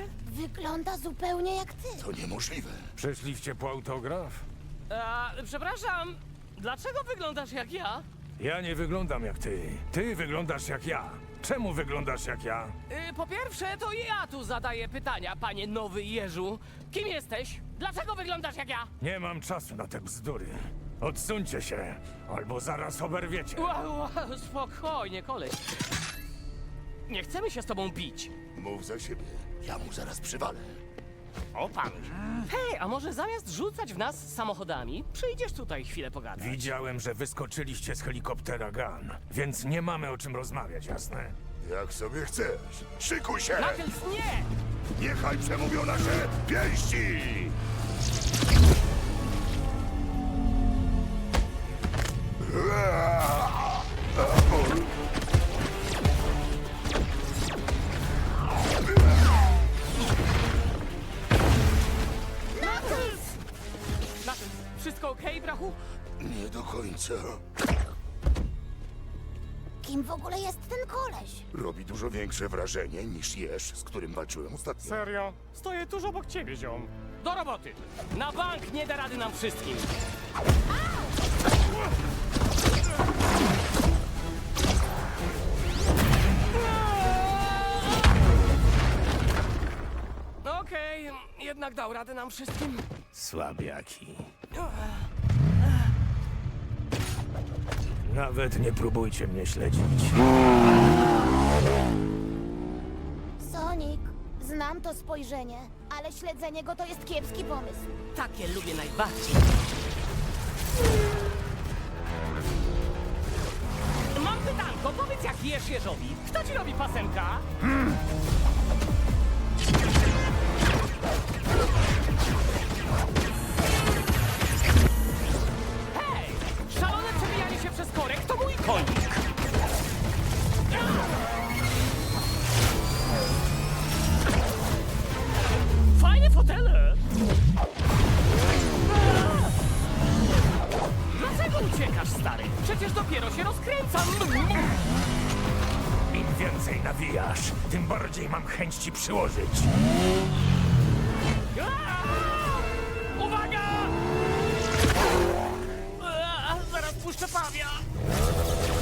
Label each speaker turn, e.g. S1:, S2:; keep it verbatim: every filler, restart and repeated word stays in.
S1: Wygląda zupełnie jak ty.
S2: To niemożliwe.
S3: Przyszliście po autograf?
S4: A, przepraszam, dlaczego wyglądasz jak ja?
S3: Ja nie wyglądam jak ty. Ty wyglądasz jak ja. Czemu wyglądasz jak ja?
S4: Y, po pierwsze, to ja tu zadaję pytania, panie Nowy Jeżu. Kim jesteś? Dlaczego wyglądasz jak ja?
S3: Nie mam czasu na te bzdury. Odsuńcie się, albo zaraz oberwiecie.
S4: Wow, wow, spokojnie, koleś. Nie chcemy się z tobą bić.
S2: Mów za siebie. Ja mu zaraz przywalę.
S4: O pan. Hej, a może zamiast rzucać w nas samochodami, przyjdziesz tutaj chwilę pogadać?
S3: Widziałem, że wyskoczyliście z helikoptera Gun, więc nie mamy o czym rozmawiać, jasne?
S2: Jak sobie chcesz. Szykuj się!
S4: Knuckles, nie!
S2: Niechaj przemówią nasze pięści!
S4: Knuckles! Knuckles, wszystko okej, brachu?
S2: Nie do końca.
S1: Kim w ogóle jest ten koleś?
S2: Robi dużo większe wrażenie niż Jeż, z którym walczyłem ostatnio.
S5: Serio? Stoję tuż obok ciebie, ziom.
S4: Do roboty! Na bank nie da rady nam wszystkim! Okej, jednak dał radę nam wszystkim.
S3: Słabiaki. Nawet nie próbujcie mnie śledzić.
S1: Sonic, znam to spojrzenie, ale śledzenie go to jest kiepski pomysł.
S4: Takie lubię najbardziej. Mam pytanko, powiedz jak jesz jeżowi. Kto ci robi pasemka? Hej! Szalone przebijanie się przez korek to mój konik! Fajne fotele! Dlaczego uciekasz, stary? Przecież dopiero się rozkręcam!
S3: Im więcej nawijasz, tym bardziej mam chęć ci przyłożyć.
S4: Aaa! Uwaga! Aaa, zaraz puszczę pawia!